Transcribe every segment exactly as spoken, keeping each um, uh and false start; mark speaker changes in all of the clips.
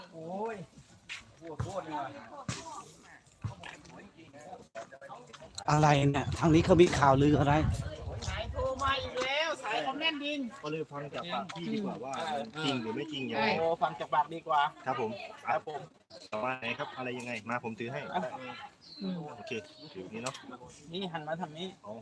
Speaker 1: โอ้ยปวดปวดเนี่ย
Speaker 2: อะไรเนี่ยทางนี้เขามีข่าวลืออะไร
Speaker 1: สายโทรมาอีกแล้วสายคอมเมนต์ดิน
Speaker 3: ก็เลยฟังจากปากพี่ดีกว่าว่าจริงหรือไม่จริงยังไง
Speaker 1: โอ้ฟังจากปากดีกว่า
Speaker 3: ครับผม
Speaker 1: ครับผม
Speaker 3: ต่อมาไหนครับอะไรยังไงมาผมถือให้โอเคถือนี้เนาะ
Speaker 1: นี่หันมาทางนี้
Speaker 3: อ๋อ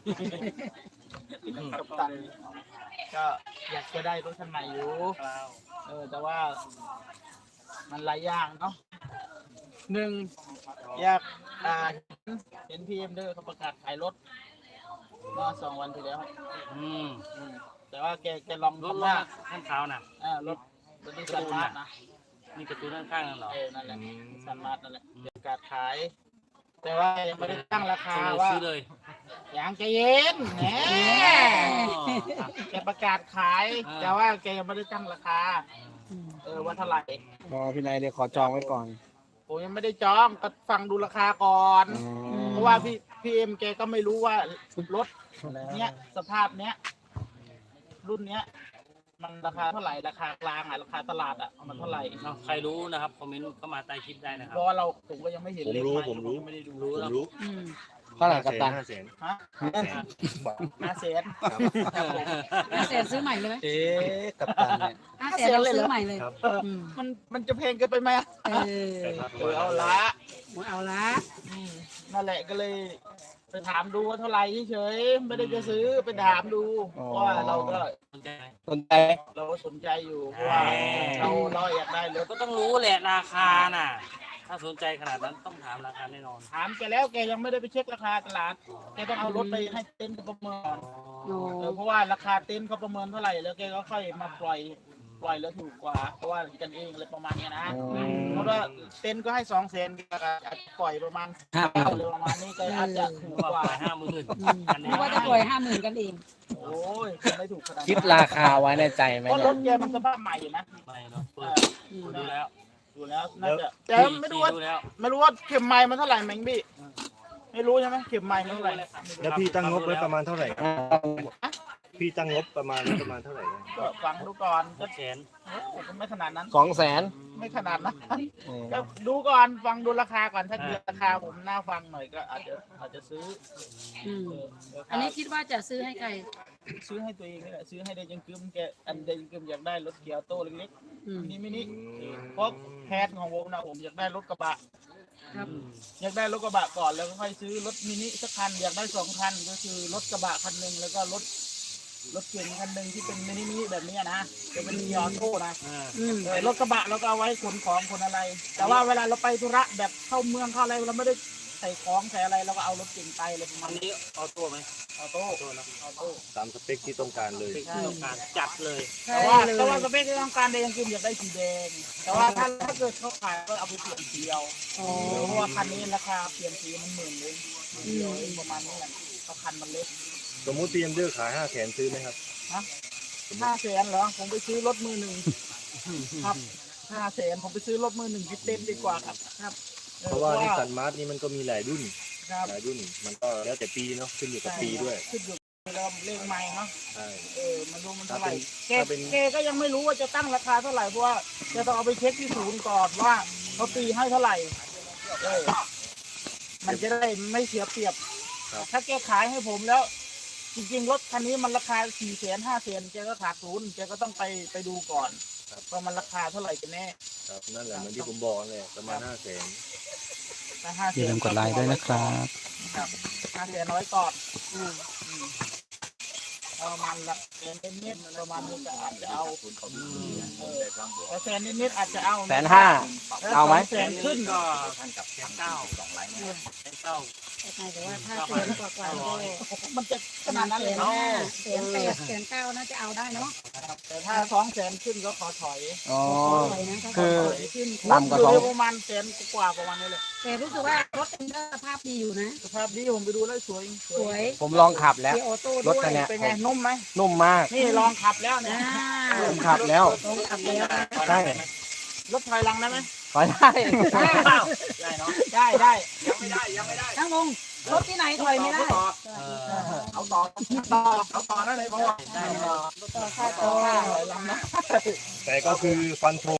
Speaker 1: กับตันก็อยากจะได้รถคันใหม่อยู่เออแต่ว่า มันหลายอย่างเนาะหนึ่งอยากอ่าเห็นพีเอ็มเดอร์เขาประกาศขายรถเมื่อสองวันที่แล้ว
Speaker 4: อืม
Speaker 1: อืมแต่ว่าแกแกลอง
Speaker 4: รถ
Speaker 1: ทำ
Speaker 4: ว่า
Speaker 1: ว่า
Speaker 4: ข้างเท้าน่ะ
Speaker 1: อ่ารถรถที่สันมาร์ทนะ
Speaker 4: นี่กระตุ้นข้างๆนั่นเหรอ
Speaker 1: เออนั่นแหละสันมาร์ทนั่นแหละประกาศขาย แต่ว่ายังไม่ได้ตั้งราคา
Speaker 4: ซื้อ
Speaker 1: ว่า
Speaker 4: ซื้อเลย
Speaker 1: อย่างใจเย็นแหมแกประกาศขาย แต่ว่าแกยังไม่ได้ตั้งราคา เออว่าเท่าไหร่
Speaker 2: รอพี่นายเดี๋ยวขอจองไว้ก่อน
Speaker 1: ผมยังไม่ได้จองก็ฟังดูราคาก่อน เพราะว่าพี่พี่เอ็มแกก็ไม่รู้ว่ารถเนี้ยสภาพเนี้ยรุ่นเนี้ย มันราคาเท่าไหร่ราคากลางอ่ะราคาตลาดอ่ะมันเท่าไหร่
Speaker 4: เนาะใครรู้นะครับคอมเมนต์เข้ามาใต้คลิปได้นะครั
Speaker 1: เพ
Speaker 4: บ
Speaker 1: ราะว่าเราผมก็ยังไม่เห็น
Speaker 3: ผม
Speaker 1: เลข
Speaker 3: รู้
Speaker 1: ใหม่
Speaker 3: ผมรู้
Speaker 1: ไม่ได้ดู
Speaker 4: รู้
Speaker 3: ผม
Speaker 4: แล้ว
Speaker 3: รู้
Speaker 2: เท่าไหร่กัปตัน
Speaker 3: ห้าแสน
Speaker 1: ฮะ ห้าแสน
Speaker 3: ครับ
Speaker 5: ห้าแสนซื้อใหม่เลยไหม
Speaker 2: เอ๊ะกัปตันเนี่ย
Speaker 5: ห้าแสนเราซื้อใหม่เลย
Speaker 3: ครับ
Speaker 1: เออมันมันจะแพงเกินไปไหมอะ
Speaker 5: เออ
Speaker 1: เออเอาละ
Speaker 5: เอาละ
Speaker 1: อืมนั่นแหละก็เลยไปถามดูว่าเท่าไหร่เฉยๆไม่ได้จะซื้อไปถามดูเพราะว่าเราก็
Speaker 4: สนใจไหม
Speaker 2: สนใจ
Speaker 1: เราก็สนใจอยู่เพราะว่าเราเราอยากได้รถ
Speaker 4: ก็ต้องรู้แหละราคาน่ะ ถ้าสนใจขนาดนั้นต้องถามราคาแน่นอน
Speaker 1: ถามแกแล้วแกยังไม่ได้ไปเช็คราคาตลาดแกต้องเอารถไปให้เต็นท์เขาประเมิน
Speaker 5: โอ้
Speaker 1: เออเพราะว่าราคาเต็นท์เขาประเมินเท่าไหร่แล้วแกก็ค่อยมาปล่อยปล่อยแล้วถูกกว่าเพราะว่ากันเองอะไรประมาณเนี้ยนะเพราะว่าเต็นท์ก็ให้สองแสนอาจจะปล่อยประมาณ
Speaker 2: ห้า
Speaker 1: เก้าเลยประมาณนี้ก็อาจจะถูก
Speaker 4: ว่าก
Speaker 1: ว่า
Speaker 4: ไปห้าหมื่น
Speaker 5: อืมเพราะว่าจะปล่อยห้าหมื่นกันเอง
Speaker 1: โอ้ยไม่ถูกขนาดนั้น
Speaker 2: คิดราคาไว้ในใจไหม
Speaker 1: เพราะ
Speaker 2: เนี่
Speaker 1: ร
Speaker 2: ย
Speaker 1: ถแกมันสภาพใหม่อยู่นะ
Speaker 4: ไม่เนาะ
Speaker 1: เอ
Speaker 4: เปิ
Speaker 1: อ
Speaker 4: ดดูแล้ว
Speaker 1: ดูแล้วน่าจะแต่ไม่รู้ว่า
Speaker 4: ดูแล้ว
Speaker 1: ไม่รู้ว่าเข็มไม้มันเท่าไหร่แมงบี้ไม่รู้ใช่ไหมเข็มไม้มันเท่าไหร่
Speaker 3: แล้วพี่ตั้งงบไว้ประมาณเท่าไหร่ครับพี่ตั้งงบประมาณประมาณเท่าไหร่นะ
Speaker 1: ก็ฟังดูก่อนก็
Speaker 4: แสน
Speaker 1: โอ้ก็ไม่ขนาดนั้น
Speaker 2: สองแสน
Speaker 1: ไม่ขนาดนั้นก็ดูก่อนฟังดูราคาก่อนถ้าเกิดราคาผมน่าฟังหน่อยก็อาจจะอาจจะซื้อ
Speaker 5: อืม
Speaker 1: เออเดี๋ยว
Speaker 5: อันนี้คิดว่าจะซื้อให้ใคร
Speaker 1: ซื้อให้ตัวเองนี่แหละซื้อให้เดยังกึมแกอันเดยังกึมอยากได้รถเกียร์โต้เล็ก
Speaker 5: อืม
Speaker 1: ๆมินิมินิเพราะแพทของผมนะผมอยากได้รถกระบะ
Speaker 5: ครับ
Speaker 1: อยากได้รถกระบะก่อนแล้วก็ค่อยซื้อรถมินิสักคันอยากได้สองคันก็คือรถกระบะคันหนึ่งแล้วก็รถรถเก๋งคันหนึ่งที่เป็นมินิมินิแบบนี้นะจะเป็นเกียร์โต้นะ
Speaker 4: อ่า
Speaker 5: อืม
Speaker 1: เออรถกระบะเราก็เอาไว้ขนของขนอะไร แต่ว่าเวลาเราไปธุระแบบเข้าเมืองเข้าอะไรเราไม่ได้ใส่ของใส่อะไรเราก็เอารถเก๋งไปเลยประมา
Speaker 4: อั
Speaker 1: ณ
Speaker 4: น
Speaker 1: นี้
Speaker 4: นี้ออโต้ไหม
Speaker 1: ออโต้
Speaker 4: ออโต้นะ
Speaker 1: ออโต้
Speaker 3: ตามสเปคที่ต้องการเลย
Speaker 4: เป็นที่ต้องการจัดเลย
Speaker 5: ใช่
Speaker 1: แต่ว่า
Speaker 5: เลย
Speaker 1: แต่ว่าสเปคที่ต้องการแดงคืออยากได้สีแดง แต่ว่าถ้าถ้าเกิดเขาขายก็เอาไปเปลี่ยนสีเอา
Speaker 5: อ๋อ
Speaker 1: เพราะว่าคันนี้ราคาเปลี่ยนสีมันหมื่นเลยเดียวเองประมาณนี้แหละเพราะคันมันเล็ก
Speaker 3: สมมุติพีเอ็มเดอร์ขายห้าแสนซื้อไหมครับ
Speaker 1: ฮะห้าแสนเหรอผมไปซื้อรถมือหนึ่งครับห้าแสนผมไปซื้อรถมือหนึ่งที่เต็มดีกว่าครับครับออ
Speaker 3: เพราะว่านิสสันมาร์ทนี่มันก็มีหลายรุ่น
Speaker 1: ครับ
Speaker 3: หลายรุ่นมันก็แล้วแต่ปีเนาะขึ้นอยู่กับปีด้วย
Speaker 1: ขึ้นอยู่กับเลขใหม่เนาะ
Speaker 3: ใช่
Speaker 1: เออมันรู้มันเท่าไหร่แก
Speaker 3: ถ้าเป็น
Speaker 1: แกก็ยังไม่รู้ว่าจะตั้งราคาเท่าไหร่เพราะว่าจะต้องเอาไปเช็คที่ศูนย์ก่อนว่าเขาตีให้เท่าไหร่เออมันจะได้ไม่เสียเปรียบ ถ้าแกขายให้ผมแล้ว จริงๆรถคันนี้มันราคาสี่แสนห้าแสนแกก็ขาดทุนแกก็ต้องไปไปดูก่อนว่ามันราคาเท่าไหร่กันแน่
Speaker 3: ครับนั่นแหละเหมือนที่ผมบอกเลยประมาณห้าแสน
Speaker 1: ถ้าห้า
Speaker 2: อย่าลืมกดไลค์ด้วยนะครับ
Speaker 1: ครับห้าแสนน้อยก่อนอืมอืมประมาณละแสนนิดๆประมาณนี้ก็อาจจะเอาเออแต่แสนนิดๆอาจจะเอา
Speaker 2: แสนห้า เอาไหม
Speaker 1: แสนขึ้น
Speaker 4: ก็ท่านกับแสนเก้าสองไลน์แสนเก้า
Speaker 5: แต่ว่าถ้าแสนกว่ากว่าก็
Speaker 1: มันจะขนาดนั้น
Speaker 5: แส
Speaker 1: เลย
Speaker 5: น
Speaker 1: เนาะ
Speaker 5: ห้าแสนแปดแสนเก้าน่าจะเอาได้เนาะ
Speaker 1: แต่ถ้าสองแสนขึ้นก็ขอถอย
Speaker 2: อ๋อ
Speaker 5: สวยนะถ้า
Speaker 2: คือ
Speaker 5: สวยขึ้น
Speaker 2: ต่ำกว่าสอง
Speaker 1: อยู่ประมาณแสนกว่าประมาณนี้เลย
Speaker 5: แต่รู้สึกว่ารถเอ็นเดอร์สภาพดีอยู่นะ
Speaker 1: สภาพดีผมไปดูแล้วสวย
Speaker 5: สวย
Speaker 2: ผมลองขับแล้ว
Speaker 5: เกียร์ออโต้
Speaker 2: รถ
Speaker 5: ด้วย
Speaker 2: คันเนี้ย
Speaker 1: เป็นไงนุ่มไหม
Speaker 2: นุ่มมาก
Speaker 1: นี่ลองขับแล้วเนี่ย
Speaker 5: อ่า
Speaker 2: ผมขับแล้ว
Speaker 5: ลงขับแล้ว
Speaker 2: ใช่
Speaker 1: รถถอยหลังได้ไหม
Speaker 2: ขอได้
Speaker 4: ได้เนาะ
Speaker 1: ได้ได้
Speaker 4: ยังไม่ได้ยังไม่ได้
Speaker 5: ทั้งลงรถที่ไหนถอยไม่ได้
Speaker 1: เอาต่อต่อเอาต่อได้เลยพ่อ
Speaker 4: ได้
Speaker 1: ต่อค่าต่อค่าถอยหลังนะ
Speaker 3: แต่ก็คือฟันธง